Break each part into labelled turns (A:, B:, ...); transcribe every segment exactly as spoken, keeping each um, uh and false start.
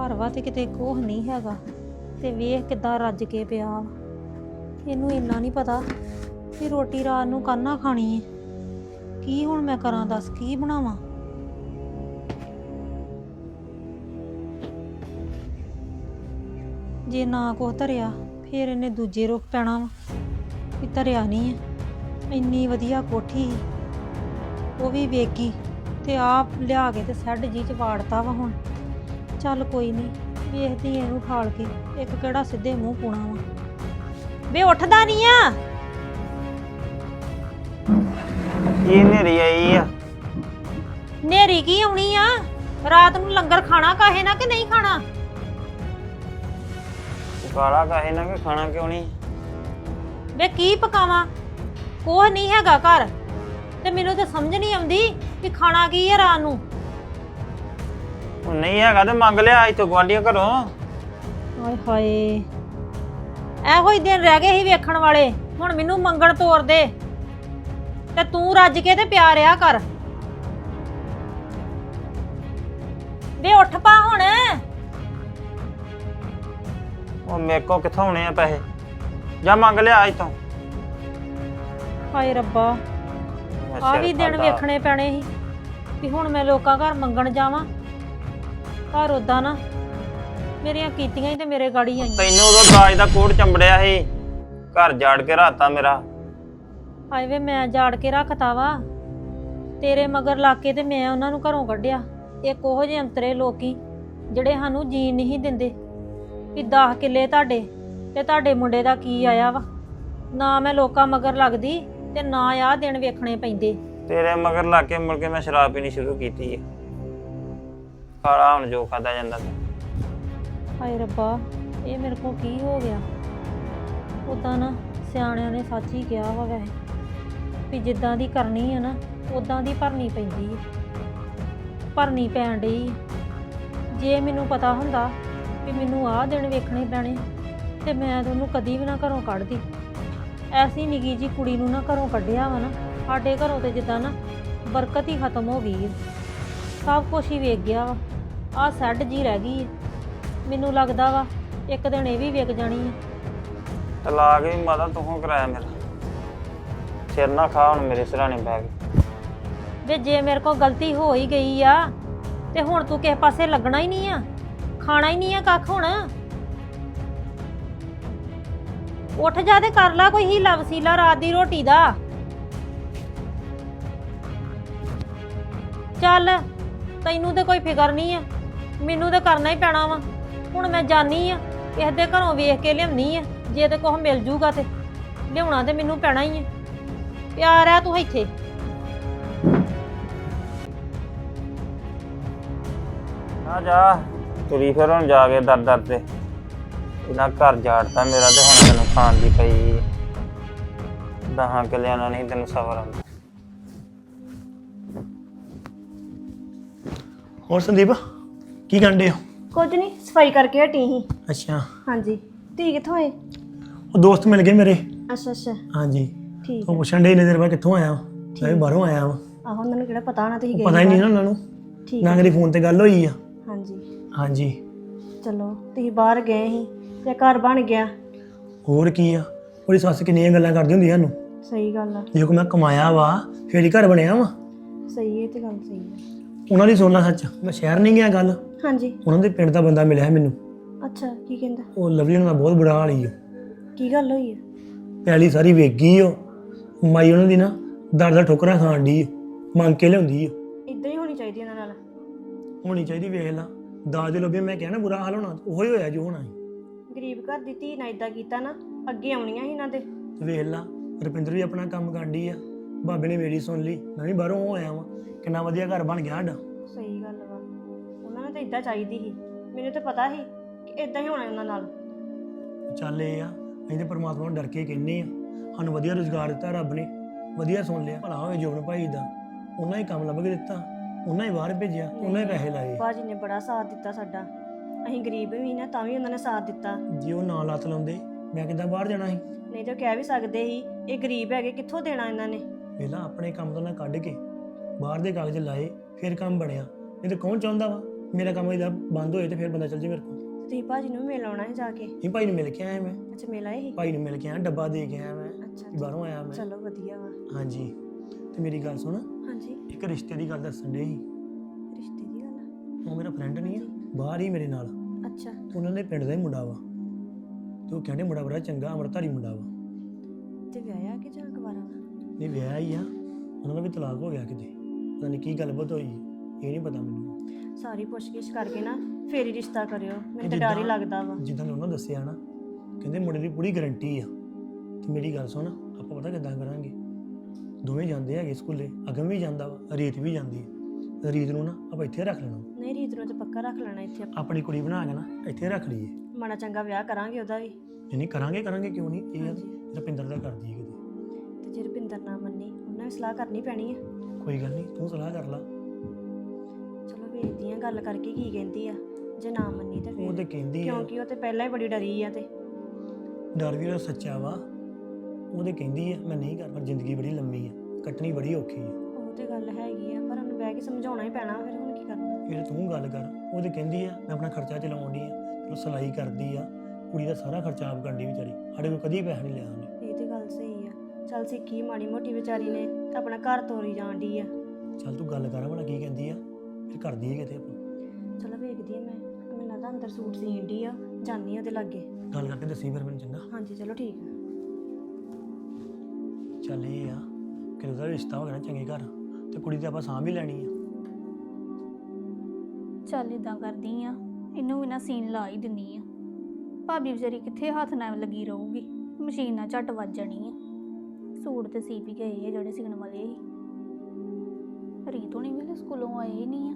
A: ਘਰ ਵਾ ਤੇ ਕਿਤੇ ਕੋਹ ਨਹੀਂ ਹੈਗਾ ਤੇ ਵੇਖ ਕਿੱਦਾਂ ਰੱਜ ਕੇ ਪਿਆ ਵਾ। ਇਹਨੂੰ ਇੰਨਾ ਨਹੀਂ ਪਤਾ ਕਿ ਰੋਟੀ ਰਾਤ ਨੂੰ ਕਾਹਨਾ ਖਾਣੀ ਹੈ। ਕੀ ਹੁਣ ਮੈਂ ਕਰਾਂ ਦੱਸ, ਕੀ ਬਣਾਵਾਂ? ਜੇ ਨਾ ਕੁਛ ਧਰਿਆ ਫਿਰ ਇਹਨੇ ਦੂਜੇ ਰੁੱਖ ਪੈਣਾ ਵਾ ਵੀ ਧਰਿਆ ਨਹੀਂ ਹੈ। ਇੰਨੀ ਵਧੀਆ ਕੋਠੀ ਸੀ ਉਹ ਵੀ ਵੇਗੀ ਤੇ ਆਪ ਲਿਆ ਕੇ ਤੇ ਸੈੱਡ ਜੀ ਚ ਵਾੜਤਾ ਵਾ। ਹੁਣ ਚੱਲ ਕੋਈ ਨਹੀਂ, ਵੇਖਦੀ ਇਹਨੂੰ ਠਾਲ ਕੇ, ਇੱਕ ਕਿਹੜਾ ਸਿੱਧੇ ਮੂੰਹ ਪੂਣਾ ਵਾ। ਵੇ ਉੱਠਦਾ ਨਹੀਂ ਆ?
B: ਇਹ ਨੇਰੀ ਆਈ ਆ।
A: ਨੇਰੀ ਕੀ ਆਉਣੀ ਆ? ਰਾਤ ਨੂੰ ਲੰਗਰ ਖਾਣਾ ਕਾਹੇ ਨਾ ਕਿ ਨਹੀਂ ਖਾਣਾ?
B: ਕਾਲਾ ਕਾਹੇ ਨਾ ਕਿ ਖਾਣਾ ਕਿਉਂ ਨਹੀਂ?
A: ਵੇ ਕੀ ਪਕਾਵਾਂ? ਕੋਹ ਨਹੀਂ ਹੈਗਾ ਘਰ ਤੇ ਮੈਨੂੰ ਤਾਂ ਸਮਝ ਨਹੀਂ ਆਉਂਦੀ ਕਿ ਖਾਣਾ ਕੀ ਹੈ ਰਾਤ ਨੂੰ।
B: ਉਹ ਨਹੀਂ ਹੈਗਾ ਤੇ ਮੰਗ ਲਿਆ ਇੱਥੋਂ ਗੁਆਂਢੀਆਂ ਘਰੋਂ।
A: ਹਾਏ ਹਾਏ, ਇਹੋ ਹੀ ਦਿਨ ਰਹਿ ਗਏ ਸੀ ਵੇਖਣ ਵਾਲੇ। ਹੁਣ ਮੈਨੂੰ ਮੰਗਣ ਤੋਰ ਦੇ ਤੇ ਤੂੰ ਰੱਜ ਕੇ ਤੇ ਪਿਆ ਰਿਹਾ ਕਰ। ਵੇ ਉੱਠ ਪਾ ਹੁਣ।
B: ਉਹ ਮੇਰੇ ਕੋ ਕਿੱਥੋਂ ਆਉਣੇ ਆ ਪੈਸੇ? ਜਾ ਮੰਗ ਲਿਆ ਇੱਥੋਂ।
A: ਹਾਏ ਰੱਬਾ, ਆ ਵੀ ਦਿਨ ਵੇਖਣੇ ਪੈਣੇ ਸੀ ਵੀ ਹੁਣ ਮੈਂ ਲੋਕਾਂ ਘਰ ਮੰਗਣ ਜਾਵਾਂ। ਪਰ ਉਦਾਂ ਨਾ ਮੇਰੀਆਂ ਕੀਤੀਆਂ ਹੀ ਤੇ ਮੇਰੇ ਗਾੜੀ ਆਈਆਂ।
B: ਤੈਨੂੰ ਉਦੋਂ ਦਾਜ ਦਾ ਕੋਟ ਚੰਬੜਿਆ ਸੀ, ਘਰ ਜਾੜ ਕੇ ਰਾਤਾ ਮੇਰਾ।
A: ਹਾਏ ਵੇ, ਮੈਂ ਜਾੜ ਕੇ ਰੱਖਤਾ ਵਾ ਤੇਰੇ ਮਗਰ ਲਾ ਕੇ ਤੇ ਮੈਂ ਉਹਨਾਂ ਨੂੰ ਘਰੋਂ ਕੱਢਿਆ। ਇੱਕ ਉਹੋ ਜਿਹੇ ਅੰਤਰੇ ਲੋਕੀ ਜਿਹੜੇ ਸਾਨੂੰ ਜੀਣ ਨਹੀਂ ਦਿੰਦੇ ਵੀ ਦਸ ਕਿੱਲੇ ਤੁਹਾਡੇ ਤੇ ਤੁਹਾਡੇ ਮੁੰਡੇ ਦਾ ਕੀ ਆਇਆ ਵਾ। ਨਾ ਮੈਂ ਲੋਕਾਂ ਮਗਰ ਲੱਗਦੀ ਤੇ ਨਾ ਆਹ ਦਿਨ ਵੇਖਣੇ ਪੈਂਦੇ।
B: ਤੇਰੇ ਮਗਰ ਲਾ ਕੇ ਮੁੜ ਕੇ ਮੈਂ ਸ਼ਰਾਬ ਪੀਣੀ ਸ਼ੁਰੂ ਕੀਤੀ ਹੈ। ਖਾਲਾ ਹੁਣ ਜੋ ਖਾਦਾ ਜਾਂਦਾ।
A: ਹਾਏ ਰੱਬਾ, ਇਹ ਮੇਰੇ ਕੋਲ ਕੀ ਹੋ ਗਿਆ? ਉਦਾਂ ਨਾ ਸਿਆਣਿਆਂ ਨੇ ਸੱਚ ਹੀ ਕਿਹਾ ਵਾ ਵੈਸੇ ਵੀ ਜਿੱਦਾਂ ਦੀ ਕਰਨੀ ਆ ਨਾ ਉਦਾਂ ਦੀ ਭਰਨੀ ਪੈਂਦੀ ਹੈ। ਭਰਨੀ ਪੈਣ ਡਈ। ਜੇ ਮੈਨੂੰ ਪਤਾ ਹੁੰਦਾ ਵੀ ਮੈਨੂੰ ਆਹ ਦਿਨ ਵੇਖਣੇ ਪੈਣੇ ਤੇ ਮੈਂ ਤਾਂ ਉਹਨੂੰ ਕਦੀ ਵੀ ਨਾ ਘਰੋਂ ਕੱਢਦੀ। ਐਸੀ ਨਿੱਕੀ ਜੀ ਕੁੜੀ ਨੂੰ ਨਾ ਘਰੋਂ ਕੱਢਿਆ ਵਾ ਨਾ। ਸਾਡੇ ਘਰੋਂ ਤੇ ਜਿੱਦਾਂ ਨਾ ਬਰਕਤ ਹੀ ਖਤਮ ਹੋ ਗਈ ਹੈ। ਸਭ ਕੁਛ ਹੀ ਵੇਖ ਗਿਆ ਵਾ। ਆਹ ਸੈੱਡ ਜੀ ਰਹਿ ਗਈ ਹੈ। ਮੈਨੂੰ ਲੱਗਦਾ ਵਾ ਇੱਕ ਦਿਨ ਇਹ ਵੀ ਵਿਕ ਜਾਣੀ ਹੈ।
B: ਤਲਾਕ ਵੀ ਮਾਤਾ ਤੂੰ ਕਰਾਇਆ ਮੇਰਾ। ਸਿਰ ਨਾ ਖਾ ਹੁਣ ਮੇਰੇ ਸਿਰਹਾਣੇ ਬੈ ਕੇ।
A: ਵੇ ਜੇ ਮੇਰੇ ਕੋਲ ਗਲਤੀ ਹੋ ਹੀ ਗਈ ਆ ਤੇ ਹੁਣ ਤੂੰ ਕਿਸੇ ਪਾਸੇ ਲੱਗਣਾ ਹੀ ਨਹੀਂ ਆ, ਖਾਣਾ ਹੀ ਨਹੀਂ ਆ ਕੱਖ। ਹੁਣ ਉੱਠ ਜਾ ਤੇ ਕਰ ਲੈ ਕੋਈ ਹੀਲਾ ਵਸੀਲਾ ਰਾਤ ਦੀ ਰੋਟੀ ਦਾ। ਚੱਲ, ਤੈਨੂੰ ਤੇ ਕੋਈ ਫਿਕਰ ਨਹੀਂ ਆ, ਮੈਨੂੰ ਤੇ ਕਰਨਾ ਹੀ ਪੈਣਾ ਵਾ। ਹੁਣ ਮੈਂ ਜਾਣੀ ਆ ਕਿਸੇ ਦੇ ਘਰੋਂ ਵੇਖ ਕੇ ਲਿਆਉਣੀ ਆ। ਜੇ ਤੇ ਕੁਛ ਮਿਲ ਜੂਗਾ ਤੇ ਲਿਆਉਣਾ ਤੇ ਮੈਨੂੰ ਪੈਣਾ ਹੀ ਆ। ਪਿਆਰ ਆ ਤੂੰ ਇੱਥੇ।
B: ਆ ਜਾ ਤੁਰੀ ਫਿਰ ਹੁਣ ਜਾ ਕੇ ਦਰ ਦਰ ਤੇ। ਇਹਨਾਂ ਘਰ ਜਾੜਤਾ ਮੇਰਾ ਤੇ ਹੁਣ ਤੈਨੂੰ ਖਾਣ ਦੀ ਪਈ। ਦਹਾਂ ਕਿੱਲਿਆਂ ਨਾਲ ਨਹੀਂ ਤੈਨੂੰ ਸਬਰ ਆਉਂਦਾ।
C: ਹੋਰ ਸੰਦੀਪ ਕੀ ਕਰਦੇ ਹੋ?
D: ਕੁਝ ਨਹੀਂ, ਸਫਾਈ ਕਰਕੇ ਹਟੀ ਸੀ।
C: ਅੱਛਾ,
D: ਹਾਂਜੀ। ਤੁਸੀਂ ਕਿੱਥੋਂ ਆਏ?
C: ਉਹ ਦੋਸਤ ਮਿਲ ਗਏ ਮੇਰੇ।
D: ਅੱਛਾ ਅੱਛਾ,
C: ਹਾਂਜੀ,
D: ਠੀਕ
C: ਉਹ
D: ਹੈ।
C: ਪੁੱਛਣ ਡੇ ਇੰਨੇ ਦੇਰ ਬਾਅਦ ਕਿੱਥੋਂ ਆਇਆ ਵਾ। ਮੈਂ ਵੀ ਬਾਹਰੋਂ ਆਇਆ ਵਾ।
D: ਆਹੋ, ਉਹਨਾਂ ਨੂੰ ਕਿਹੜਾ ਪਤਾ ਹੋਣਾ ਤੁਸੀਂ ਗਏ?
C: ਪਤਾ ਹੀ ਨਹੀਂ ਨਾ ਉਹਨਾਂ ਨੂੰ।
D: ਠੀਕ
C: ਨਾ
D: ਹੈ।
C: ਕਦੀ ਫੋਨ ਤੇ ਗੱਲ ਹੋਈ ਆ।
D: ਹਾਂਜੀ
C: ਹਾਂਜੀ।
D: ਚਲੋ, ਤੁਸੀਂ ਬਾਹਰ ਗਏ ਸੀ ਤੇ ਘਰ ਬਣ ਗਿਆ।
C: ਹੋਰ ਕੀ ਆ, ਉਹਦੀ ਸੱਸ ਕਿੰਨੀਆਂ ਗੱਲਾਂ ਕਰਦੀ ਹੁੰਦੀ ਸਾਨੂੰ।
D: ਸਹੀ ਗੱਲ ਆ।
C: ਜੇ ਕੋ ਮੈਂ ਕਮਾਇਆ ਵਾ ਫੇਰ ਹੀ ਘਰ ਬਣਿਆ ਵਾ।
D: ਸਹੀ ਹੈ, ਤੇ ਗੱਲ ਸਹੀ ਹੈ।
C: ਉਹਨਾਂ ਦੀ ਸੁਣਨਾ ਸੱਚ। ਮੈਂ ਸ਼ਹਿਰ ਨਹੀਂ ਗਿਆ ਗੱਲ।
D: ਹਾਂਜੀ।
C: ਉਹਨਾਂ ਦੇ ਪਿੰਡ ਦਾ ਬੰਦਾ ਮਿਲਿਆ ਮੈਨੂੰ।
D: ਅੱਛਾ, ਕੀ ਕਹਿੰਦਾ?
C: ਉਹ ਲਵਲੀ ਉਹਨਾਂ ਦਾ ਬਹੁਤ ਬੁਰਾ ਹਾਲ ਹੀ ਆ।
D: ਕੀ ਗੱਲ ਹੋਈ ਹੈ?
C: ਪੈਲੀ ਸਾਰੀ ਵੇਚ ਗਈ ਉਹ। ਮਾਈ ਉਹਨਾਂ ਦੀ ਨਾ ਦਰ ਦਾ ਠੋਕਰਾਂ ਖਾਣ ਡਈ ਓ। ਮੰਗ ਕੇ ਲਿਆਉਂਦੀ ਓ।
D: ਇਦਾਂ ਹੀ ਹੋਣੀ ਚਾਹੀਦੀ ਇਹਨਾਂ ਨਾਲ।
C: ਹੋਣੀ ਚਾਹੀਦੀ। ਵੇਖ ਲਾ, ਦਾਜ ਦੇ ਲੋਭੀ ਮੈਂ ਕਿਹਾ ਨਾ ਬੁਰਾ ਹਾਲ ਹੋਣਾ, ਉਹੋ ਹੀ ਹੋਇਆ ਜੋ ਹੋਣਾ ਸੀ।
D: ਗਰੀਬ ਘਰ ਦੀ ਧੀ ਨਾਲ ਇਦਾਂ ਕੀਤਾ ਨਾ, ਅੱਗੇ ਆਉਣੀਆਂ ਸੀ ਇਹਨਾਂ ਦੇ।
C: ਵੇਖ ਲਾ, ਰੁਪਿੰਦਰ ਵੀ ਆਪਣਾ ਕੰਮ ਕਰਦੀ ਆ। ਬਾਬੇ ਨੇ ਮੇਰੀ ਸੁਣ ਲਈ। ਮੈਂ ਵੀ ਬਾਹਰੋਂ ਹੋ ਆਇਆ ਵਾਂ। ਕਿੰਨਾ ਵਧੀਆ ਘਰ ਬਣ ਗਿਆ ਸਾਡਾ।
D: ਸਹੀ ਗੱਲ ਵਾ। ਉਹਨਾਂ ਨੂੰ ਤਾਂ ਇਦਾਂ ਚਾਹੀਦੀ ਸੀ। ਮੈਨੂੰ ਤਾਂ ਪਤਾ ਸੀ ਕਿ ਇਦਾਂ ਹੀ ਹੋਣਾ ਉਹਨਾਂ ਨਾਲ।
C: ਚੱਲ ਇਹ ਆ, ਅਸੀਂ ਤੇ ਪਰਮਾਤਮਾ ਨੂੰ ਡਰ ਕੇ ਕਹਿੰਦੇ ਆ। ਸਾਨੂੰ ਵਧੀਆ ਰੁਜ਼ਗਾਰ ਦਿੱਤਾ ਰੱਬ ਨੇ, ਵਧੀਆ ਸੁਣ ਲਿਆ। ਭਲਾ ਹੋਵੇ ਜੋਬਨ ਭਾਈ ਦਾ, ਉਹਨਾਂ ਹੀ ਕੰਮ ਲੱਭ ਕੇ ਦਿੱਤਾ, ਉਹਨਾਂ ਹੀ ਬਾਹਰ ਭੇਜਿਆ, ਉਹਨਾਂ ਹੀ ਪੈਸੇ ਲਾਏ।
D: ਭਾਜੀ ਨੇ ਬੜਾ ਸਾਥ ਦਿੱਤਾ ਸਾਡਾ। ਅਸੀਂ ਗਰੀਬ ਵੀ ਨਾ, ਤਾਂ ਵੀ ਉਹਨਾਂ ਨੇ ਸਾਥ ਦਿੱਤਾ।
C: ਜੇ ਉਹ ਨਾ ਲੱਤ ਲਾਉਂਦੇ ਮੈਂ ਕਿੱਦਾਂ ਬਾਹਰ ਜਾਣਾ ਸੀ?
D: ਨਹੀਂ ਤਾਂ ਕਹਿ ਵੀ ਸਕਦੇ ਸੀ ਇਹ ਗਰੀਬ ਹੈਗੇ, ਕਿੱਥੋਂ ਦੇਣਾ ਇਹਨਾਂ ਨੇ।
C: ਪਹਿਲਾਂ ਆਪਣੇ ਕੰਮ ਤੋਂ ਨਾ ਕੱਢ ਕੇ ਬਾਹਰ ਦੇ ਕਾਗਜ਼ ਲਾਏ, ਫਿਰ ਕੰਮ ਬਣਿਆ। ਨਹੀਂ ਤਾਂ ਕੌਣ ਚਾਹੁੰਦਾ ਵਾ ਮੇਰਾ ਕੰਮ ਇਹਦਾ ਬੰਦ ਹੋਏ ਤੇ ਫਿਰ ਬੰਦਾ ਚੱਲ ਜੇ ਮੇਰੇ ਕੋਲ।
D: ਤੁਸੀਂ ਭਾਜੀ ਨੂੰ ਮਿਲ ਆਉਣਾ ਹੈ ਜਾ ਕੇ।
C: ਇਹ ਭਾਈ ਨੂੰ ਮਿਲ ਕੇ ਆਇਆ ਮੈਂ।
D: ਅੱਛਾ ਮਿਲ ਆਏ ਸੀ।
C: ਭਾਈ ਨੂੰ ਮਿਲ ਕੇ ਆਇਆ, ਡੱਬਾ ਦੇ ਕੇ ਆਇਆ ਮੈਂ।
D: ਅੱਛਾ
C: ਕਿ ਬਾਹਰੋਂ ਆਇਆ ਮੈਂ।
D: ਚਲੋ ਵਧੀਆ ਵਾ।
C: ਹਾਂਜੀ ਤੇ ਮੇਰੀ ਗੱਲ ਸੁਣ,
D: ਹਾਂਜੀ
C: ਇੱਕ ਰਿਸ਼ਤੇ ਦੀ ਗੱਲ ਦੱਸਣ ਦੇ ਸੀ।
D: ਰਿਸ਼ਤੇ ਦੀ ਗੱਲ ਆ।
C: ਉਹ ਮੇਰਾ ਫਰੈਂਡ ਨਹੀਂ ਆ, ਬਾਹਰ ਹੀ ਮੇਰੇ ਨਾਲ।
D: ਅੱਛਾ
C: ਤੇ ਉਹਨਾਂ ਦੇ ਪਿੰਡ ਦਾ ਹੀ ਮੁੰਡਾ ਵਾ, ਤੇ ਉਹ ਕਹਿੰਦੇ ਮੁੰਡਾ ਬੜਾ ਚੰਗਾ ਅੰਮ੍ਰਿਤਧਾਰੀ ਮੁੰਡਾ ਵਾ।
D: ਤੇ ਵਿਆਹਿਆ ਕਿ ਜਾਂ ਕੁਵਾਰਾ ਵਾ?
C: ਨਹੀਂ ਵਿਆਹ ਹੀ ਆ, ਉਹਨਾਂ ਦਾ ਵੀ ਤਲਾਕ ਹੋ ਗਿਆ ਕਿਤੇ, ਪਤਾ ਨਹੀਂ ਕੀ ਗੱਲਬਾਤ ਹੋਈ, ਇਹ ਨਹੀਂ ਪਤਾ ਮੈਨੂੰ।
D: ਸਾਰੀ ਪੁੱਛਗਿੱਛ ਕਰਕੇ ਨਾ ਫੇਰ ਹੀ ਰਿਸ਼ਤਾ ਕਰਿਓ, ਮੈਨੂੰ ਤਾਂ
C: ਜਿੱਦਾਂ-
D: ਡਰ ਹੀ ਲੱਗਦਾ ਵਾ।
C: ਜਿੱਦਾਂ ਨੇ ਉਹਨਾਂ ਦੱਸਿਆ ਨਾ, ਕਹਿੰਦੇ ਮੁੰਡੇ ਦੀ ਪੂਰੀ ਗਾਰੰਟੀ ਆ। ਤੇ ਮੇਰੀ ਗੱਲ ਸੁਣ, ਆਪਾਂ ਪਤਾ ਕਿੱਦਾਂ ਕਰਾਂਗੇ, ਦੋਵੇਂ ਜਾਂਦੇ ਹੈਗੇ ਸਕੂਲੇ, ਅਗਮ ਵੀ ਜਾਂਦਾ ਵਾ, ਰੀਤ ਵੀ ਜਾਂਦੀ ਹੈ। ਰੀਤ ਨੂੰ ਨਾ ਆਪਾਂ ਇੱਥੇ ਰੱਖ ਲੈਣਾ,
D: ਨਹੀਂ ਰੀਤ ਨੂੰ ਤਾਂ ਪੱਕਾ ਰੱਖ ਲੈਣਾ ਇੱਥੇ ਆਪਾਂ।
C: ਆਪਣੀ ਕੁੜੀ ਬਣਾ ਕੇ ਨਾ ਇੱਥੇ ਰੱਖ ਲਈਏ।
D: ਮਾੜਾ ਚੰਗਾ ਵਿਆਹ ਕਰਾਂਗੇ ਉਹਦਾ ਵੀ।
C: ਨਹੀਂ ਨਹੀਂ ਕਰਾਂਗੇ ਕਰਾਂਗੇ ਕਿਉਂ ਨਹੀਂ, ਇਹ
D: ਹਾਂਜੀ।
C: ਰੁਪਿੰਦਰ ਦਾ ਕਰਦੀ ਹੈ ਕਿਤੇ।
D: ਤੇ ਜੇ ਰੁਪਿੰਦਰ ਨਾ ਮੰਨੀ, ਉਹਨਾਂ ਵੀ ਸਲਾਹ ਕਰਨੀ ਪੈਣੀ ਆ।
C: ਕੋਈ ਗੱਲ ਨਹੀਂ, ਤੂੰ ਸਲਾਹ ਕਰ ਲਾ।
D: ਚਲੋ ਵੇਖਦੀ ਆ ਗੱਲ ਕਰਕੇ ਕੀ ਕਹਿੰਦੀ ਆ, ਜੇ ਨਾ ਮੰਨੀ ਤੇ
C: ਉਹ ਤੇ
D: ਫਿਰ
C: ਕਹਿੰਦੀ ਆ,
D: ਕਿਉਂਕਿ ਉਹ ਤੇ ਪਹਿਲਾਂ ਹੀ ਬੜੀ ਡਰੀ ਆ। ਤੇ
C: ਡਰ ਵੀ ਉਹਦਾ ਸੱਚਾ ਵਾ। ਉਹ ਤੇ ਕਹਿੰਦੀ ਆ ਮੈਂ ਨਹੀਂ ਕਰ, ਪਰ ਜ਼ਿੰਦਗੀ ਬੜੀ ਲੰਮੀ ਆ, ਕੱਟਣੀ ਬੜੀ ਔਖੀ ਆ।
D: ਉਹ ਤੇ ਗੱਲ ਹੈਗੀ ਆ, ਪਰ ਉਹਨੂੰ ਬਹਿ ਕੇ ਸਮਝਾਉਣਾ ਹੀ ਪੈਣਾ। ਫਿਰ ਹੁਣ ਕੀ ਕਰਨਾ?
C: ਫਿਰ ਤੂੰ ਗੱਲ ਕਰ। ਉਹ ਤੇ ਕਹਿੰਦੀ ਆ ਮੈਂ ਆਪਣਾ ਖਰਚਾ ਚਲਾਉਣ ਦੀ ਆ, ਚਲੋ ਸਿਲਾਈ ਕਰਦੀ ਆ, ਕੁੜੀ ਦਾ ਸਾਰਾ ਖਰਚਾ ਆਪ ਕਰਦੀ ਵਿਚਾਰੀ, ਸਾਡੇ ਕੋਲ ਕਦੀ ਪੈਸਾ ਨਹੀਂ ਲਿਆ ਉਹਨੇ।
D: ਇਹ ਤੇ ਗੱਲ ਸਹੀ ਆ। ਚੱਲ ਸਿੱਖੀ ਮਾੜੀ ਮੋਟੀ ਵਿਚਾਰੀ ਨੇ ਤੇ ਆਪਣਾ ਘਰ ਤੋਰੀ ਜਾਣ ਡਈ ਆ।
C: ਚੱਲ ਤੂੰ ਗੱਲ ਕਰ ਭਲਾ ਕੀ ਕਹਿੰਦੀ ਆ, ਫਿਰ ਕਰਦੀ ਹੈ ਕਿਤੇ ਆਪਾਂ।
D: ਚਲੋ ਵੇਖਦੀ ਆ ਮੈਂ, ਮੈਨੂੰ ਲੱਗਦਾ ਅੰਦਰ ਸੂਟ ਸੀਣ ਡਈ ਆ, ਜਾਂਦੀ ਆ ਉਹਦੇ ਲਾਗੇ।
C: ਗੱਲ ਕਰਕੇ ਦੱਸੀ ਫਿਰ ਮੈਨੂੰ ਚੰਗਾ।
D: ਹਾਂਜੀ ਚਲੋ ਠੀਕ ਆ।
C: ਚੱਲ ਇਹ ਆ ਕਿ ਉਹਦਾ ਰਿਸ਼ਤਾ ਹੋ ਗਿਆ ਨਾ ਚੰਗੇ ਘਰ, ਤੇ ਕੁੜੀ ਤੇ ਆਪਾਂ ਸਾਂਭ ਹੀ ਲੈਣੀ ਆ।
E: ਚੱਲ ਇਦਾਂ ਕਰਦੀ ਆ, ਇਹਨੂੰ ਵੀ ਨਾ ਸੀਨ ਲਾ ਹੀ ਦਿੰਨੀ ਆ। ਭਾਬੀ ਵਿਚਾਰੀ ਕਿੱਥੇ ਹੱਥ ਨਾਲ ਲੱਗੀ ਰਹੂਗੀ, ਮਸ਼ੀਨ ਨਾਲ ਝੱਟ ਵੱਜ ਜਾਣੀ ਆ। ਸੂਟ ਤੇ ਸੀ ਵੀ ਗਏ ਆ ਜਿਹੜੇ ਸਿਗਣ ਵਾਲੇ ਸੀ। ਰੀਤ ਹੋਣੀ ਵੇਲੇ ਸਕੂਲੋਂ ਆਏ ਹੀ ਨਹੀਂ ਆ।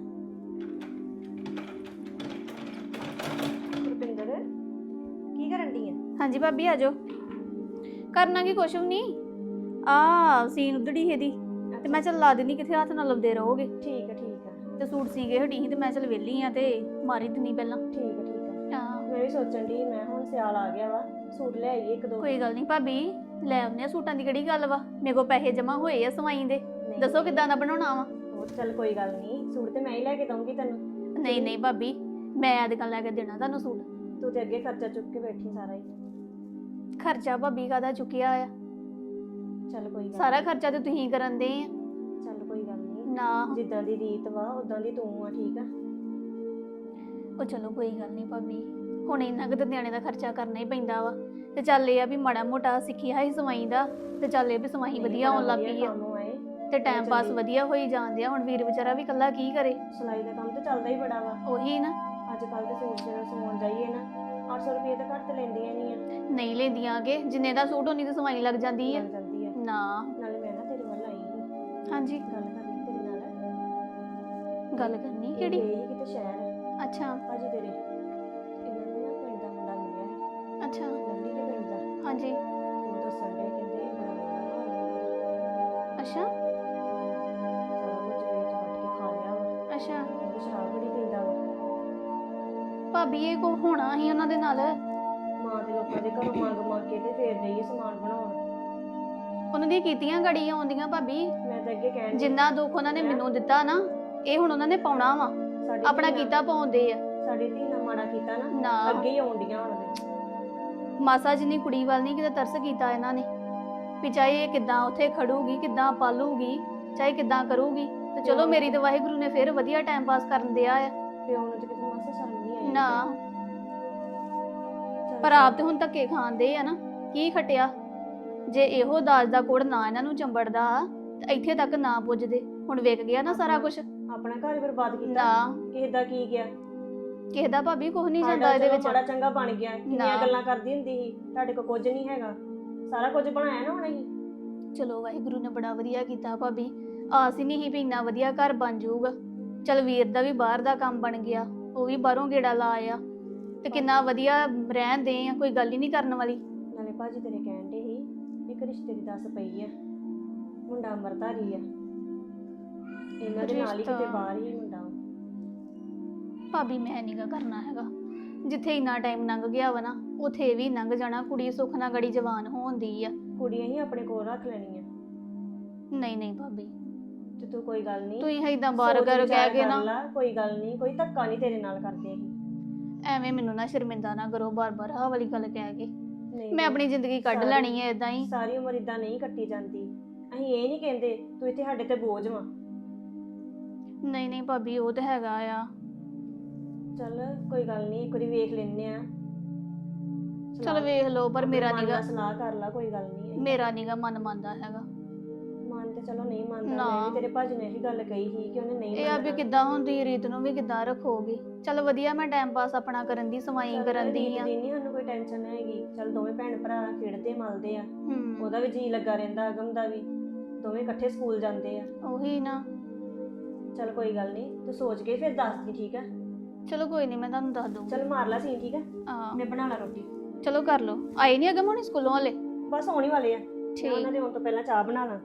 D: ਰੁਪਿੰਦਰ ਕੀ ਕਰਨ ਡਈ ਆ?
E: ਹਾਂਜੀ ਭਾਬੀ ਆ ਜਾਓ। ਕਰਨਾ ਕੀ ਕੁਛ ਵੀ ਨਹੀਂ, ਆ ਸੀਨ ਉਧੜੀ ਇਹਦੀ, ਤੇ ਮੈਂ ਚੱਲ ਲਾ ਦਿੰਨੀ, ਕਿੱਥੇ ਹੱਥ ਨਾਲ ਲਾਉਂਦੇ ਰਹੋਗੇ।
D: ਠੀਕ ਆ ਠੀਕ ਆ
E: ਤੇ ਸੂਟ ਸੀ ਗਏ ਹਟੀ ਸੀ, ਤੇ ਮੈਂ ਚੱਲ ਵਿਹਲੀ ਆ ਤੇ ਮਾਰੀ ਦਿੰਨੀ ਪਹਿਲਾਂ।
D: ਠੀਕ ਆ ਠੀਕ ਆ।
E: ਹਾਂ
D: ਮੈਂ ਵੀ ਸੋਚਣ ਡਈ, ਮੈਂ ਹੁਣ ਸਿਆਲ ਆ ਗਿਆ ਵਾ, ਸੂਟ ਲੈ ਆਈਏ ਇੱਕ ਦੋ।
E: ਕੋਈ ਗੱਲ ਨਹੀਂ ਭਾਬੀ, ਲੈ ਆਉਂਦੇ ਆ, ਸੂਟਾਂ ਦੀ ਕਿਹੜੀ ਗੱਲ ਵਾ, ਮੇਰੇ ਕੋਲ ਪੈਸੇ ਜਮਾ ਹੋਏ ਆ ਸਵਾਈ ਦੇ।
D: ਨਹੀਂ,
E: ਦੱਸੋ ਕਿੱਦਾਂ ਦਾ ਬਣਾਉਣਾ ਵਾ?
D: ਉਹ ਤਾਂ ਚੱਲ ਕੋਈ ਗੱਲ ਨਹੀਂ, ਸੂਟ ਤੇ ਮੈਂ ਹੀ ਲੈ ਕੇ ਦਊਂਗੀ ਤੈਨੂੰ।
E: ਨਹੀਂ ਨਹੀਂ ਭਾਬੀ, ਮੈਂ ਅੱਜ ਕੱਲ੍ਹ ਲੈ ਕੇ ਦੇਣਾ ਤੁਹਾਨੂੰ ਸੂਟ।
D: ਤੂੰ ਤੇ ਅੱਗੇ ਖਰਚਾ ਚੁੱਕ ਕੇ ਬੈਠੀ ਸਾਰਾ ਹੀ।
E: ਖਰਚਾ ਭਾਬੀ ਕਾਹਦਾ ਚੁੱਕਿਆ ਆ?
D: ਚੱਲ ਕੋਈ ਗੱਲ
E: ਸਾਰਾ ਖਰਚਾ ਤੇ ਤੁਸੀਂ ਕਰਨ ਦੇ ਆ।
D: ਨੀ। ਚੱਲ ਕੋਈ ਗੱਲ ਨਹੀਂ,
E: ਨਾ
D: ਜਿੱਦਾਂ ਦੀ ਰੀਤ ਵਾ ਉਦਾਂ ਦੀ ਤੂੰ ਆ। ਠੀਕ ਆ।
E: ਉਹ ਚਲੋ ਕੋਈ ਗੱਲ ਨਹੀਂ ਭਾਬੀ, ਹੁਣ ਇੰਨਾ ਕੁ ਤਾਂ ਨਿਆਣੇ ਦਾ ਖਰਚਾ ਕਰਨਾ ਹੀ ਪੈਂਦਾ ਵਾ। ਤੇ ਚੱਲ ਇਹ ਆ ਵੀ ਮਾੜਾ ਮੋਟਾ ਸਿੱਖਿਆ ਹੀ ਸਵਾਈ ਦਾ, ਤੇ ਚੱਲ ਇਹ ਵੀ ਸਵਾਈ ਵਧੀਆ ਆਉਣ ਲੱਗ ਪਈ ਆ,
D: ਕੰਮ ਆਏ
E: ਤੇ ਟਾਈਮ ਪਾਸ ਵਧੀਆ ਹੋਈ ਜਾਂਦੇ ਆ। ਹੁਣ ਵੀਰ ਵਿਚਾਰਾ ਵੀ ਇਕੱਲਾ ਕੀ ਕਰੇ,
D: ਸਿਲਾਈ ਦਾ ਕੰਮ ਤੇ ਚੱਲਦਾ ਹੀ ਬੜਾ ਵਾ।
E: ਉਹੀ ਨਾ।
D: ਅੱਜ ਕੱਲ ਤੇ ਸੂਟ ਜਿਹੜਾ ਸਵਾਉਣ ਜਾਈਏ ਨਾ, ਅੱਠ ਸੌ ਰੁਪਏ ਤਾਂ ਘੱਟ ਤੇ ਲੈਂਦੀਆਂ ਨਹੀਂ ਆ।
E: ਨਹੀਂ ਲੈਂਦੀਆਂ ਕਿ ਜਿੰਨੇ ਦਾ ਸੂਟ ਉਨੀ ਦੀ ਸਵਾਈ ਲੱਗ ਜਾਂਦੀ ਆ।
D: ਲੱਗ ਜਾਂਦੀ ਆ।
E: ਨਾ
D: ਨਾਲੇ ਮੈਂ ਨਾ ਤੇਰੇ ਵੱਲ ਆਈ ਸੀ,
E: ਹਾਂਜੀ,
D: ਗੱਲ ਕਰਨੀ ਤੇਰੇ ਨਾਲ।
E: ਗੱਲ ਕਰਨੀ
D: ਇਹ
E: ਕਿਹੜੀ?
D: ਗਏ ਸੀ ਕਿਤੇ ਸ਼ਹਿਰ,
E: ਅੱਛਾ
D: ਭਾਜੀ ਤੇਰੇ, ਇਹਨਾਂ ਨੂੰ ਨਾ ਪਿੰਡ ਦਾ ਮੁੰਡਾ ਮਿਲਿਆ ਸੀ,
E: ਅੱਛਾ
D: ਲਵਲੀ ਦੇ ਪਿੰਡ ਦਾ।
E: ਹਾਂਜੀ
D: ਉਹ ਦੱਸਣ ਦੇ ਕਹਿੰਦੇ ਬੜਾ ਮਾੜਾ ਹਾਲ ਹੈ,
E: ਅੱਛਾ
D: ਸਾਰਾ ਕੁਝ ਵੇਚ ਵੱਟ ਕੇ ਖਾ ਲਿਆ ਵਾ।
E: ਅੱਛਾ
D: ਉਹ ਸ਼ਰਾਬ ਬੜੀ ਪੀਂਦਾ ਵਾ।
E: ਭਾਬੀ ਇਹ ਕੋ ਹੋਣਾ ਸੀ ਉਹਨਾਂ ਦੇ ਨਾਲ।
D: ਮਾਂ ਦੇ ਲੋਕਾਂ ਦੇ ਘਰੋਂ ਮੰਗ ਮੰਗ ਕੇ ਤੇ ਫੇਰ ਗਈ ਸਮਾਨ ਬਣਾਉਣ।
E: ਉਹਨਾਂ ਦੀਆਂ ਕੀਤੀਆਂ ਗੜੀਆਂ ਆਉਂਦੀਆਂ ਭਾਬੀ,
D: ਮੈਂ ਤਾਂ ਅੱਗੇ ਕਹਿਣ ਡਈ,
E: ਜਿੰਨਾ ਦੁੱਖ ਉਹਨਾਂ ਨੇ ਮੈਨੂੰ ਦਿੱਤਾ ਨਾ, ਇਹ ਹੁਣ ਉਹਨਾਂ ਨੇ ਪਾਉਣਾ ਵਾ।
D: ਸਾਡੀ
E: ਆਪਣਾ
D: ਧੀ ਨਾਲ-
E: ਕੀਤਾ ਪਾਉਂਦੇ ਆ।
D: ਸਾਡੀ ਧੀ ਨਾਲ ਮਾੜਾ ਕੀਤਾ ਨਾ,
E: ਨਾ
D: ਅੱਗੇ ਹੀ ਆਉਂਦੀਆਂ ਹੁਣ ਦੇ।
E: ਮਾਸਾ ਜਿੰਨੀ ਕੁੜੀ ਵੱਲ ਨਹੀਂ ਕਿਤੇ ਤਰਸ ਕੀਤਾ ਇਹਨਾਂ ਨੇ, ਵੀ ਚਾਹੇ ਇਹ ਕਿੱਦਾਂ ਉੱਥੇ ਖੜੂਗੀ, ਕਿੱਦਾਂ ਪਾਲੂਗੀ, ਚਾਹੇ ਕਿੱਦਾਂ ਕਰੂਗੀ। ਤੇ ਚਲੋ ਮੇਰੀ ਤੇ ਵਾਹਿਗੁਰੂ ਨੇ ਫਿਰ ਵਧੀਆ ਟਾਈਮ ਪਾਸ ਕਰਨ ਦਿਆ ਆ।
D: ਪਿਓ ਨੂੰ ਤੇ ਕਿਤੇ ਮਾਸਾ ਸ਼ਰਮ ਨਹੀਂ ਆਈ।
E: ਨਾ
D: ਚੱਲ
E: ਪਰ ਆਪ ਤੇ ਹੁਣ ਧੱਕੇ ਖਾਂਦੇ ਆ ਨਾ, ਕੀ ਖਟਿਆ। ਜੇ ਇਹੋ ਦਾਜ ਦਾ ਕੋੜ ਨਾ ਇਹਨਾਂ ਨੂੰ ਚੰਬੜਦਾ ਤੇ ਇੱਥੇ ਤੱਕ ਨਾ ਪੁੱਜਦੇ। ਹੁਣ ਵਿਕ ਗਿਆ ਨਾ ਸਾਰਾ ਕੁਝ।
D: ਆਪਣਾ ਘਰ ਹੀ ਬਰਬਾਦ ਕੀਤਾ।
E: ਨਾ
D: ਕਿਸੇ ਦਾ ਕੀ ਗਿਆ?
E: ਕਿਸੇ ਦਾ ਭਾਬੀ ਕੁਝ ਨਹੀਂ
D: ਸਾਡਾ
E: ਜਾਂਦਾ ਇਹਦੇ
D: ਚਲੋ
E: ਵਿੱਚ।
D: ਮਾੜਾ ਚੰਗਾ ਬਣ ਗਿਆ, ਕਿੰਨੀਆਂ
E: ਨਾ।
D: ਗੱਲਾਂ ਕਰਦੀ ਹੁੰਦੀ ਸੀ, ਤੁਹਾਡੇ ਕੋਲ ਕੁਝ ਨਹੀਂ ਹੈਗਾ, ਸਾਰਾ ਕੁਝ ਬਣਾਇਆ ਨਾ ਹੁਣ ਅਸੀਂ।
E: ਚਲੋ ਵਾਹਿਗੁਰੂ ਨੇ ਬੜਾ ਵਧੀਆ ਕੀਤਾ ਭਾਬੀ, ਆਸ ਹੀ ਨਹੀਂ ਸੀ ਵੀ ਇੰਨਾ ਵਧੀਆ ਘਰ ਬਣ ਜਾਊਗਾ। ਚਲ ਵੀਰ ਦਾ ਵੀ ਬਾਹਰ ਦਾ ਕੰਮ ਬਣ ਗਿਆ, ਉਹ ਵੀ ਬਾਹਰੋਂ ਗੇੜਾ ਲਾ ਆਇਆ, ਤੇ ਕਿੰਨਾ ਵਧੀਆ ਰਹਿੰਦੇ ਆ, ਕੋਈ ਗੱਲ ਹੀ ਨਹੀਂ ਕਰਨ ਵਾਲੀ।
D: ਨਾਲੇ ਭਾਜੀ ਤੇਰੇ ਕਹਿਣ ਦੇ ਸੀ ਇੱਕ ਰਿਸ਼ਤੇ ਦੀ ਦੱਸ ਪਈ ਆ, ਮੁੰਡਾ ਅਮਰਧਾਰੀ ਆ, ਇਹਨਾਂ ਦੇ ਨਾਲ ਹੀ ਕਿਤੇ
E: ਰਿਸ਼ਤਾ।
D: ਬਾਹਰ ਹੀ ਮੁੰਡਾ ਵਾ।
E: ਭਾਬੀ ਮੈਂ ਨੀਗਾ ਕਰਨਾ ਹੈਗਾ, ਜਿੱਥੇ ਇੰਨਾ ਟਾਈਮ ਲੰਘ ਗਿਆ ਵਾ ਨਾ, ਉਥੇ ਵੀ ਲੰਘ ਜਾਣਾ। ਕੁੜੀ ਸੁੱਖ ਨਾਲ ਗੜੀ ਜਵਾਨ ਹੋਣ ਦੀ ਆ।
D: ਕੁੜੀਆਂ ਹੀ ਆਪਣੇ ਕੋਲ ਰੱਖ ਲੈਣੀਆਂ।
E: ਨਹੀਂ ਨਹੀਂ ਭਾਬੀ,
D: ਤੇ ਤੂੰ ਕੋਈ ਗੱਲ ਨਹੀਂ
E: ਤੁਸੀਂ ਏਦਾਂ ਬਾਰ ਕਰ ਕਹਿ ਕੇ ਨਾ
D: ਕੋਈ ਗੱਲ ਨਹੀਂ, ਕੋਈ ਧੱਕਾ ਨਹੀਂ ਤੇਰੇ ਨਾਲ ਕਰਦੇ ਅਸੀਂ।
E: ਐਵੇਂ ਮੈਨੂੰ ਨਾ ਸ਼ਰਮਿੰਦਾ ਨਾ ਕਰੋ ਬਾਰ-ਬਾਰ ਆਹ ਵਾਲੀ ਗੱਲ ਕਹਿ ਕੇ।
D: ਨਹੀਂ
E: ਮੈਂ ਆਪਣੀ ਜ਼ਿੰਦਗੀ ਕੱਢ
D: ਸਾਰੀ-
E: ਲੈਣੀ ਹੈ ਇਦਾਂ ਹੀ।
D: ਸਾਰੀ ਉਮਰ ਇਦਾਂ ਨਹੀਂ ਕੱਟੀ ਜਾਂਦੀ। ਅਸੀਂ ਇਹ ਨਹੀਂ ਕਹਿੰਦੇ ਤੂੰ ਇੱਥੇ ਸਾਡੇ ਤੇ ਬੋਝ ਵਾ।
E: ਨਹੀਂ ਨਹੀਂ ਭਾਬੀ ਉਹ ਤਾਂ ਹੈਗਾ ਆ।
D: ਚੱਲ ਕੋਈ ਗੱਲ ਨਹੀਂ, ਇੱਕ ਵਾਰੀ ਵੇਖ ਲੈਨੇ ਆ।
E: ਚਲ ਵੇਖ ਲਓ, ਪਰ ਮੇਰਾ
D: ਮਨ
E: ਨੀਗਾ
D: ਨਾਲ ਸਲਾਹ ਕਰ ਲਾ, ਕੋਈ ਗੱਲ ਨਹੀਂ।
E: ਮੇਰਾ ਨੀਗਾ ਮਨ ਮੰਨਦਾ ਹੈਗਾ।
D: ਮਨ ਤੇ ਚਲੋ ਨਹੀਂ ਮੰਨਦਾ,
E: ਨਾ।
D: ਮੈਂ ਵੀ ਤੇਰੇ ਭਾਜੀ ਨੇ ਇਹੀ ਗੱਲ ਕਹੀ ਸੀ ਕਿ ਉਹਨੇ ਨਹੀਂ
E: ਇਹ ਆ ਵੀ
D: ਮੰਨਣਾ।
E: ਕਿੱਦਾਂ ਹੁੰਦੀ ਰੀਤ ਨੂੰ ਵੀ ਕਿੱਦਾਂ ਰੱਖੋਗੇ। ਚਲ ਵਧੀਆ, ਮੈਂ ਟਾਈਮ ਪਾਸ ਆਪਣਾ ਕਰਨ ਦੀ ਸਵਾਈ
D: ਚੱਲ
E: ਕਰਨ ਦੀ
D: ਰੀਤ
E: ਆ।
D: ਦੀ ਨਹੀਂ ਸਾਨੂੰ ਕੋਈ ਟੈਨਸ਼ਨ ਹੈਗੀ। ਚੱਲ ਦੋਵੇਂ ਭੈਣ ਭਰਾ ਖੇਡਦੇ ਮਲਦੇ ਆ,
E: ਹੂੰ
D: ਉਹਦਾ ਵੀ ਜੀ ਲੱਗਾ ਰਹਿੰਦਾ, ਅਗਮ ਦਾ ਵੀ, ਦੋਵੇਂ ਇਕੱਠੇ ਸਕੂਲ ਜਾਂਦੇ ਆ।
E: ਉਹੀ ਨਾ।
D: ਚੱਲ ਕੋਈ ਗੱਲ ਨਹੀਂ, ਤੂੰ ਸੋਚ ਕੇ ਫਿਰ ਦੱਸ ਦੀ, ਠੀਕ ਆ?
E: ਚਲੋ ਕੋਈ ਨਹੀਂ, ਮੈਂ ਤੁਹਾਨੂੰ ਦੱਸ ਦੂੰਗੀ।
D: ਚੱਲ ਮਾਰ ਲਾ ਸੀ, ਠੀਕ ਆ?
E: ਹਾਂ
D: ਮੈਂ ਬਣਾ ਲਾ ਰੋਟੀ।
E: ਚਲੋ ਕਰ ਲਓ। ਆਏ ਨਹੀਂ ਅਗਮ ਹੁਣੀ ਸਕੂਲੋਂ ਵਾਲੇ?
D: ਬਸ ਆਉਣੀ ਵਾਲੇ ਆ।
E: ਠੀਕ।
D: ਮੈਂ ਉਹਨਾਂ ਦੇ ਆਉਣ ਤੋਂ ਪਹਿਲਾਂ ਚਾਹ ਬਣਾ ਲਾਂ।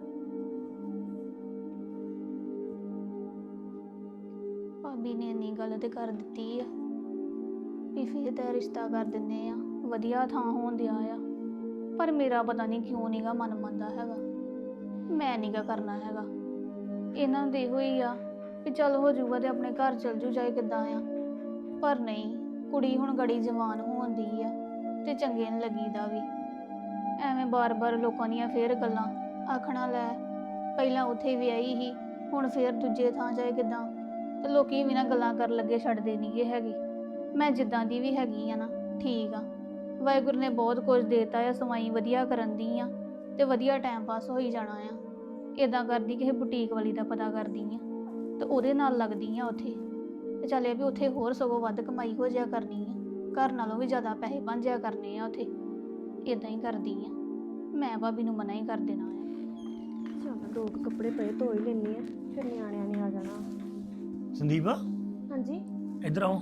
E: ਭਾਬੀ ਨੇ ਇੰਨੀ ਗੱਲ ਤੇ ਕਰ ਦਿੱਤੀ ਆ ਵੀ ਫਿਰ ਤਾਂ ਰਿਸ਼ਤਾ ਕਰ ਦਿੰਦੇ ਆ, ਵਧੀਆ ਥਾਂ ਹੋਣ ਦਿਆ ਆ। ਪਰ ਮੇਰਾ ਪਤਾ ਨਹੀਂ ਕਿਉਂ ਨੀਗਾ ਮਨ ਮੰਨਦਾ ਹੈਗਾ। ਮੈਂ ਨੀਗਾ ਕਰਨਾ ਹੈਗਾ। ਇਹਨਾਂ ਨੂੰ ਇਹੋ ਹੀ ਆ ਵੀ ਚੱਲ ਹੋ ਜਾਊਗਾ ਤੇ ਆਪਣੇ ਘਰ ਚਲ ਜੂ, ਜਾਏ ਕਿੱਦਾਂ ਆ। ਪਰ ਨਹੀਂ, ਕੁੜੀ ਹੁਣ ਗੜੀ ਜਵਾਨ ਹੋਣ ਦੀ ਆ ਤੇ ਚੰਗੇ ਨਹੀਂ ਲੱਗੀਦਾ ਵੀ। ਐਵੇਂ ਬਾਰ-ਬਾਰ ਲੋਕਾਂ ਦੀਆਂ ਫੇਰ ਗੱਲਾਂ ਆਖਣਾ, ਲੈ ਪਹਿਲਾਂ ਉੱਥੇ ਵਿਆਹੀ ਸੀ, ਹੁਣ ਫੇਰ ਦੂਜੇ ਥਾਂ ਜਾਏ ਕਿੱਦਾਂ। ਤੇ ਲੋਕੀ ਵੀ ਨਾ ਗੱਲਾਂ ਕਰਨ ਲੱਗੇ ਛੱਡਦੇ ਨਹੀਂਗੇ ਹੈਗੇ। ਮੈਂ ਜਿੱਦਾਂ ਦੀ ਵੀ ਹੈਗੀ ਆ ਨਾ, ਠੀਕ ਆ। ਵਾਹਿਗੁਰੂ ਨੇ ਬਹੁਤ ਕੁਝ ਦੇਤਾ ਆ, ਸਵਾਈ ਵਧੀਆ ਕਰਨ ਦੀ ਆ ਤੇ ਵਧੀਆ ਟਾਈਮ ਪਾਸ ਹੋਈ ਜਾਣਾ ਆ। ਇਦਾਂ ਕਰਦੀ ਕਿਸੇ ਬੁਟੀਕ ਵਾਲੀ ਦਾ ਪਤਾ ਕਰਦੀ ਆ ਤੇ ਉਹਦੇ ਨਾਲ ਲੱਗਦੀ ਆ ਉੱਥੇ। ਤੇ ਚੱਲ ਇਹ ਵੀ ਉੱਥੇ ਹੋਰ ਸਗੋਂ ਵੱਧ ਕਮਾਈ ਹੋ ਜਾਇਆ ਕਰਨੀ ਆ, ਘਰ ਨਾਲੋਂ ਵੀ ਜ਼ਿਆਦਾ ਪੈਸੇ ਬਣ ਜਾਇਆ ਕਰਨੇ ਆ ਉੱਥੇ। ਇਦਾਂ ਹੀ ਕਰਦੀ ਆ ਮੈਂ। ਭਾਬੀ ਨੂੰ ਮਨਾ ਹੀ ਕਰ ਦੇਣਾ ਆ।
D: ਚੱਲ ਦੋ ਕੁ ਕੱਪੜੇ ਪਏ ਧੋ ਹੀ ਲੈਣੀ ਆ, ਫਿਰ ਨਿਆਣਿਆਂ ਨੇ ਆ ਜਾਣਾ।
C: ਸੰਦੀਪ
D: ਹਾਂਜੀ
C: ਇੱਧਰ ਆਓ।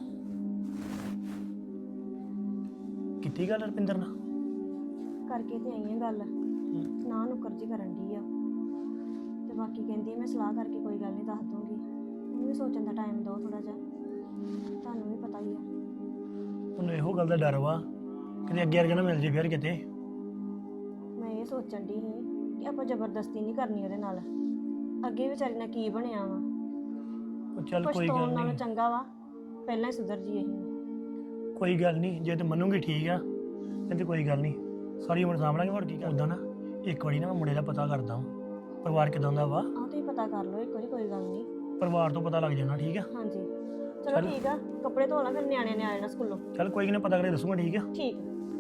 C: ਕਿੱਥੇ ਗੱਲ ਰਪਿੰਦਰ ਨਾਲ?
D: ਕਰਕੇ ਤੇ ਆਈ ਆ ਗੱਲ, ਨਾ ਨੁਕਰ ਜੀ ਕਰਨ ਦੀ ਆ। ਤੇ ਬਾਕੀ ਕਹਿੰਦੀ ਮੈਂ ਸਲਾਹ ਕਰਕੇ ਕੋਈ ਗੱਲ ਨਹੀਂ ਦੱਸ ਦੂੰਗੀ। ਉਹਨੂੰ ਵੀ ਸੋਚਣ ਦਾ ਟਾਈਮ ਦਿਓ ਥੋੜਾ ਜਿਹਾ, ਤੁਹਾਨੂੰ ਵੀ ਪਤਾ ਹੀ ਆ।
C: ਉਹਨੂੰ ਇਹੋ ਗੱਲ ਦਾ ਡਰ ਵਾ ਕਿ ਅੱਗੇ ਵਰਗਾ ਨਾ ਮਿਲ ਜੇ ਫਿਰ ਕਿਤੇ।
D: ਮੈਂ ਇਹ ਸੋਚਣ ਦੀ ਸੀ ਕਿ ਆਪਾਂ ਜ਼ਬਰਦਸਤੀ ਨਹੀਂ ਕਰਨੀ ਉਹਦੇ ਨਾਲ। ਅੱਗੇ ਵਿਚਾਰੀ ਨਾਲ ਕੀ ਬਣਿਆ ਵਾ,
C: ਉਹ ਚੱਲ
D: ਕੁਛ
C: ਕੋਈ
D: ਤੋਂ
C: ਗੱਲ
D: ਨਾਲੋਂ
C: ਨਹੀਂ,
D: ਚੰਗਾ ਵਾ ਪਹਿਲਾਂ ਹੀ ਸੁਧਰ ਜੀ। ਅਸੀਂ
C: ਕੋਈ ਗੱਲ ਨਹੀਂ, ਜੇ ਤੇ ਮੰਨੂਗੀ ਠੀਕ ਆ, ਨਹੀਂ ਤੇ ਕੋਈ ਗੱਲ ਨਹੀਂ, ਸਾਰੀ ਉਮਰ ਸਾਂਭਲਾਂਗੇ। ਹੋਰ ਕੀ ਕਰਦਾ ਨਾ, ਇੱਕ ਵਾਰੀ ਨਾ ਮੈਂ ਮੁੰਡੇ ਦਾ ਪਤਾ ਕਰਦਾ ਵਾਂ, ਪਰਿਵਾਰ ਕਿਦਾਂ ਦਾ ਵਾ।
D: ਆਹ ਤੁਸੀਂ ਪਤਾ ਕਰ ਲਓ ਇੱਕ ਵਾਰੀ, ਕੋਈ ਗੱਲ ਨਹੀਂ।
C: ਪਰਿਵਾਰ ਤੋਂ ਪਤਾ ਲੱਗ ਜਾਣਾ, ਠੀਕ ਆ?
D: ਹਾਂਜੀ ਚਲੋ ਠੀਕ ਆ, ਕੱਪੜੇ ਧੋ ਲਾ, ਫਿਰ ਨਿਆਣਿਆਂ ਨੇ ਆ ਜਾਣਾ ਸਕੂਲੋਂ।
C: ਚੱਲ ਕੋਈ ਨਹੀਂ, ਪਤਾ ਕਰੇ ਦੱਸੂਗਾ, ਠੀਕ ਆ?
D: ਠੀਕ।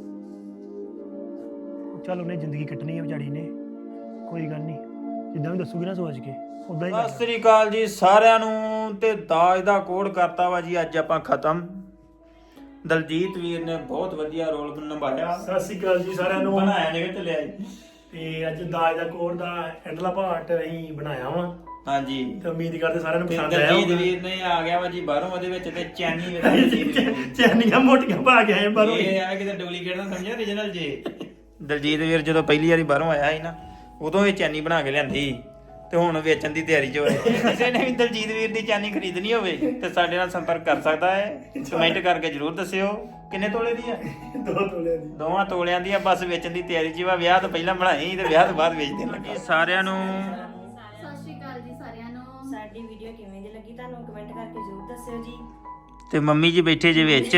C: ਚੱਲ ਉਹਨੇ ਜ਼ਿੰਦਗੀ ਕੱਟਣੀ ਹੈ ਵਿਚਾਰੀ ਨੇ, ਕੋਈ ਗੱਲ ਨਹੀਂ, ਜਿੱਦਾਂ ਵੀ ਦੱਸੂਗੀ ਨਾ ਸੋਚ ਕੇ ਉਦਾਂ ਹੀ ਕਰ।
B: ਸਤਿ ਸ੍ਰੀ ਅਕਾਲ ਜੀ ਸਾਰਿਆਂ ਨੂੰ। ਤੇ ਦਾਜ ਦਾ ਕੋਡ ਕਰਤਾ ਵਾ ਜੀ ਅੱਜ ਆਪਾਂ ਖਤਮ। ਦਲਜੀਤ ਵੀਰ ਨੇ ਬਹੁਤ ਵਧੀਆ ਰੋਲ ਨਿਭਾਇਆ।
C: ਸਤਿ ਸ਼੍ਰੀ ਅਕਾਲ ਜੀ ਸਾਰਿਆਂ ਨੂੰ।
B: ਬਣਾਇਆ ਨਿਕਲ ਤੇ ਲਿਆ ਜੀ।
C: ਤੇ ਅੱਜ ਦਾਜ ਦਾ ਕੋਡ ਦਾ ਐਂਡਲਾ ਪਾਰਟ ਅਸੀਂ ਬਣਾਇਆ ਵਾ,
B: ਹਾਂਜੀ
C: ਤੇ ਉਮੀਦ ਕਰਦੇ ਸਾਰਿਆਂ ਨੂੰ
B: ਤੇ
C: ਪਸੰਦ ਆਇਆ
B: ਦਲਜੀਤ
C: ਹੋਊਗਾ।
B: ਵੀਰ ਨੇ ਆ ਗਿਆ ਵਾ ਜੀ ਬਾਹਰੋਂ, ਉਹਦੇ ਵਿੱਚ ਤੇ ਚੈਨੀ ਵੇਲਾ ਦਲਜੀਤ ਵੀਰ ਦੀ।
C: ਚੈਨੀਆਂ ਮੋਟੀਆਂ ਪਾ ਕੇ ਆਏ ਬਾਹਰੋਂ।
B: ਇਹ ਆ ਕਿਤੇ ਡੁਪਲੀਕੇਟ ਨਾ ਸਮਝਿਆ, origignal ਜੀ। ਦਲਜੀਤ ਵੀਰ ਜਦੋਂ ਪਹਿਲੀ ਵਾਰੀ ਬਾਹਰੋਂ ਆਇਆ ਸੀ ਨਾ, ਉਦੋਂ ਇਹ ਚੈਨੀ ਬਣਾ ਕੇ ਲਿਆਂਦੀ ਤੇ ਹੁਣ ਵੇਚਣ ਦੀ ਤਿਆਰੀ 'ਚ ਹੋਏ। ਕਿਸੇ ਨੇ ਵੀ ਦਲਜੀਤ ਵੀਰ ਦੀ ਚੈਨੀ ਖਰੀਦਣੀ ਹੋਵੇ ਤੇ ਸਾਡੇ ਨਾਲ ਸੰਪਰਕ ਕਰ ਸਕਦਾ ਹੈ। ਕਮੈਂਟ ਕਰਕੇ ਜਰੂਰ ਦੱਸਿਓ ਕਿੰਨੇ ਤੋਲੇ ਦੀ ਆ।
C: ਦੋ ਤੋਲਿਆਂ ਦੀ।
B: ਦੋਵਾਂ ਤੋਲਿਆਂ ਦੀ ਆ, ਬਸ ਵੇਚਣ ਦੀ ਤਿਆਰੀ 'ਚ ਵਾ। ਵਿਆਹ ਤੋਂ ਪਹਿਲਾਂ ਬਣਾਈ ਤੇ ਵਿਆਹ ਤੋਂ ਬਾਅਦ ਵੇਚ ਦੇਣ ਲੱਗਾ। ਸਾਰਿਆਂ ਨੂੰ
E: ਸਤਿ ਸ਼੍ਰੀ ਅਕਾਲ ਜੀ ਸਾਰਿਆਂ ਨੂੰ।
D: ਸਾਡੀ ਵੀਡੀਓ ਕਿਵੇਂ ਦੀ ਲੱਗੀ ਤੁਹਾਨੂੰ ਕਮੈਂਟ ਕਰਕੇ ਜ਼ਰੂਰ ਦੱਸਿਓ ਜੀ।
B: ਤੇ ਮੰਮੀ ਜੀ ਬੈਠੇ ਜੇ ਵਿੱਚ।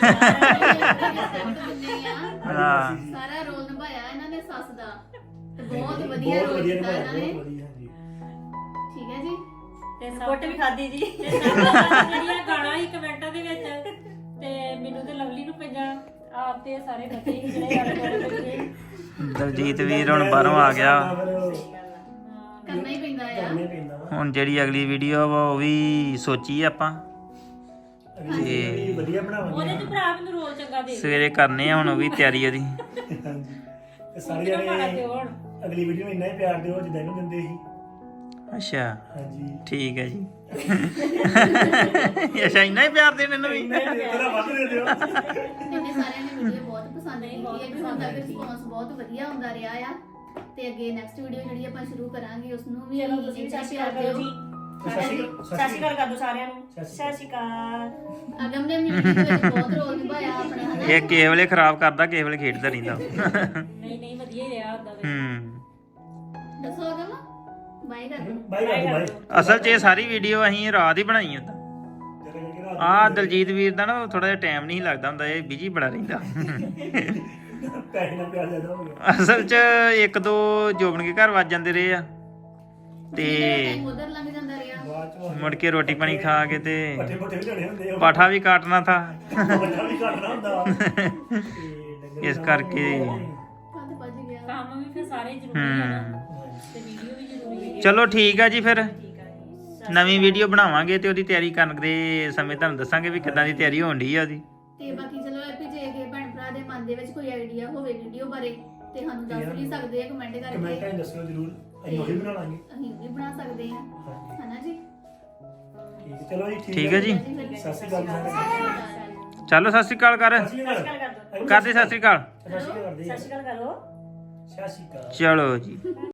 B: ਹਾਂ
E: ਸਾਰਾ ਰੋਲ ਨਿਭਾਇਆ ਇਹਨਾਂ ਨੇ ਸੱਸ ਦਾ ਤੇ ਬਹੁਤ ਵਧੀਆ
C: ਬਹੁਤ
E: ਰੋਲ
C: ਵਧੀਆ
E: ਕੀਤਾ
C: ਨਿਭਾਇਆ,
E: ਇਹਨਾਂ ਨੇ।
C: ਬਹੁਤ ਵਧੀਆ, ਹਾਂਜੀ।
E: ਠੀਕ ਹੈ ਜੀ।
D: ਤੇ ਸਪੋਰਟ ਵੀ ਖਾਦੀ ਜੀ।
A: ਜਿਹੜੀਆਂ ਗਾਣਾ ਹੀ ਕਮੈਂਟਾਂ ਦੇ ਵਿੱਚ, ਤੇ ਮੈਨੂੰ ਤੇ ਲਵਲੀ ਨੂੰ ਪੰਜਾ ਆਪ ਤੇ ਸਾਰੇ ਬੱਚੇ ਹੀ ਜਿਹੜੇ ਆਲੇ ਦੁਆਲੇ ਬੱਚੇ।
B: ਦਲਜੀਤ ਵੀਰ ਹੁਣ ਬਾਹਰੋਂ ਆ ਗਿਆ।
E: ਕਰਨਾ ਹੀ ਪੈਂਦਾ ਆ।
C: ਕਰਨਾ ਹੀ ਪੈਂਦਾ ਵਾ।
B: ਹੁਣ ਜਿਹੜੀ ਅਗਲੀ ਵੀਡੀਓ ਵਾ ਉਹ ਵੀ ਸੋਚੀ ਆਪਾਂ
C: ਅਗਲੀ ਵੀਡੀਓ ਵੀ ਵਧੀਆ ਬਣਾਵਾਂਗੇ।
A: ਉਹਦੇ ਚ ਭਰਾ ਮੈਨੂੰ ਰੋਲ ਚੰਗਾ ਦੇ
B: ਸਵੇਰੇ ਕਰਨੇ ਆ ਹੁਣ ਉਹ ਵੀ ਤਿਆਰੀ ਉਹਦੀ।
C: ਹਾਂਜੀ। ਤੇ ਸਾਰੇ
A: ਕਿਹੜਾ ਮਾੜਾ
C: ਜਣੇ
A: ਦਿਓ ਹੁਣ।
C: ਅਗਲੀ ਵੀਡੀਓ ਨੂੰ ਇੰਨਾ ਹੀ ਪਿਆਰ ਦਿਓ ਜਿੱਦਾਂ ਇਹਨੂੰ ਦਿੰਦੇ ਸੀ।
B: ਅੱਛਾ
C: ਹਾਂਜੀ।
B: ਠੀਕ ਹੈ ਜੀ। ਅੱਛਾ ਇੰਨਾ ਹੀ ਪਿਆਰ ਦੇਣ ਇਹਨੂੰ ਵੀ।
C: ਥੋੜਾ ਵੱਧ ਦੇ ਦਿਓ।
E: ਇਹਨੇ ਸਾਰਿਆਂ ਨੇ ਵੀਡੀਓ ਬਹੁਤ ਪਸੰਦ ਕੀਤੀ ਹੈ ਕਿ ਹੁਣ ਤੱਕ ਰਿਸਪੌਂਸ ਬਹੁਤ ਵਧੀਆ ਹੁੰਦਾ ਰਿਹਾ ਆ। ਤੇ ਅੱਗੇ ਨੈਕਸਟ ਵੀਡੀਓ ਜਿਹੜੀ ਆਪਾਂ ਸ਼ੁਰੂ ਕਰਾਂਗੇ ਉਸ ਨੂੰ ਵੀ
D: ਚਲੋ ਤੁਸੀਂ ਵੀ
E: ਇੰਨਾ
D: ਸਤਿ ਸ਼੍ਰੀ
E: ਪਿਆਰ
D: ਅਕਾਲ ਕਰੋ
E: ਦਿਓ।
D: ਜੀ।
C: ਸਤਿ ਸ਼੍ਰੀ ਅਕਾਲ।
D: ਸਤਿ ਸ਼੍ਰੀ ਅਕਾਲ ਕਰ ਦਿਓ ਸਾਰਿਆਂ ਨੂੰ।
C: ਸਤਿ
D: ਸਤਿ ਸ਼੍ਰੀ ਅਕਾਲ।
E: ਅਗਮ ਨੇ ਵੀਡੀਓ ਵਿੱਚ ਬਹੁਤ ਰੋਲ ਨਿਭਾਇਆ ਆਪਣਾ, ਹਨਾ?
B: ਇਹ ਕਿਸੇ ਵੇਲੇ ਖਰਾਬ ਕਰਦਾ, ਕਿਸੇ ਵੇਲੇ ਖੇਡਦਾ ਰਹਿੰਦਾ।
A: ਨਹੀਂ ਨਹੀਂ ਵਧੀਆ ਹੀ ਰਿਹਾ ਹੁੰਦਾ ਵੇ।
B: ਹੂੰ
E: ਦੱਸੋ ਅਗਮ। ਬਾਈ ਕਰ ਦੋ
C: ਬਾਈ ਕਰ ਬਾਈ
B: ਅਸਲ 'ਚ ਇਹ ਸਾਰੀ ਵੀਡੀਓ ਅਸੀਂ ਰਾਤ ਹੀ ਬਣਾਈ ਹੁੰਦਾ ਆ ਦਲਜੀਤ ਵੀਰ ਦਾ ਨਾ ਥੋੜਾ ਜਿਹਾ ਟਾਈਮ ਨਹੀਂ ਲੱਗਦਾ ਹੁੰਦਾ ਇਹ ਬਿਜੀ ਬੜਾ ਰਹਿੰਦਾ
C: ਪੈਸੇ ਨਾਲ ਪਿਆਰ ਜ਼ਿਆਦਾ ਹੋ ਗਿਆ
B: ਅਸਲ 'ਚ ਇੱਕ ਦੋ ਜੋਬਨ ਕੇ ਘਰ ਵੱਜ ਜਾਂਦੇ ਰਹੇ ਆ ਤੇ
E: ਉਧਰ ਲੰਘ ਜਾਂਦਾ ਰਿਹਾ
C: ਬਾਅਦ ਚ
B: ਮੁੜ ਕੇ ਰੋਟੀ ਪਾਣੀ ਖਾ ਕੇ ਤੇ
C: ਪੱਠੇ ਪੁੱਠੇ ਵੀ ਲੈਣੇ ਹੁੰਦੇ ਆ
B: ਪਾਠਾ ਵੀ ਕਾਟਣਾ ਥਾ
C: ਬੱਚਾ ਵੀ ਕੱਢਣਾ ਹੁੰਦਾ ਤੇ ਡੰਗਰ
B: ਇਸ ਕਰਕੇ
E: ਕੱਦ ਭੱਜ ਗਿਆ
A: ਕੰਮ ਵੀ ਫਿਰ ਸਾਰੇ ਜ਼ਰੂਰੀ ਆ ਨਾ
B: ਹੂੰ
A: ਤੇ ਵੀਡੀਓ ਵੀ ਜ਼ਰੂਰੀ ਹੈ।
B: ਚਲੋ ਠੀਕ ਆ ਜੀ ਫਿਰ
A: ਠੀਕ ਆ ਜੀ।
B: ਨਵੀਂ ਵੀਡੀਓ ਬਣਾਵਾਂਗੇ ਤੇ ਉਹਦੀ ਤਿਆਰੀ ਕਰਨ ਦੇ ਸਮੇਂ ਤੁਹਾਨੂੰ ਦੱਸਾਂਗੇ ਵੀ ਕਿੱਦਾਂ ਦੀ ਤਿਆਰੀ ਹੋਣ ਢੀ ਆ ਉਹਦੀ
E: ਤੇ ਬਾਕੀ ਚਲੋ ਇਹ ਵੀ ਜੇ ਕਿ ਭੈਣ ਭਰਾ ਦੇ ਮਨ ਦੇ ਵਿੱਚ ਕੋਈ ਆਈਡੀਆ ਹੋਵੇ ਵੀਡੀਓ ਬਾਰੇ ਤੇ ਸਾਨੂੰ ਦੱਸ ਵੀ ਸਕਦੇ ਆ ਕਮੈਂਟ ਕਰਕੇ
C: ਕਮੈਂਟਾਂ 'ਚ ਦੱਸਿਓ ਜ਼ਰੂਰ ਅਸੀਂ ਉਹੀ ਬਣਾ ਲਾਂਗੇ
E: ਅਸੀਂ ਵੀ ਬਣਾ ਸਕਦੇ ਹਾਂ
C: ਹਾਂਜੀ
E: ਹਨਾ ਜੀ
C: ਠੀਕ ਹੈ ਚਲੋ ਜੀ
B: ਠੀਕ ਹੈ ਜੀ
C: ਸਤਿ ਸ਼੍ਰੀ ਅਕਾਲ ਜੀ ਸਾਰਿਆਂ
B: ਚਲੋ ਸਤਿ ਸ਼੍ਰੀ ਅਕਾਲ ਕਰ
C: ਨੂੰ। ਸਤਿ ਸ਼੍ਰੀ ਅਕਾਲ
B: ਕਰਦੇ ਸਤਿ ਸ਼੍ਰੀ ਅਕਾਲ
C: ਸਤਿ ਸ਼੍ਰੀ ਅਕਾਲ ਕਰਦੇ
A: ਸਤਿ ਸ਼੍ਰੀ ਅਕਾਲ ਕਰੋ
C: ਸਤਿ ਸ਼੍ਰੀ ਅਕਾਲ
B: ਚਲੋ ਜੀ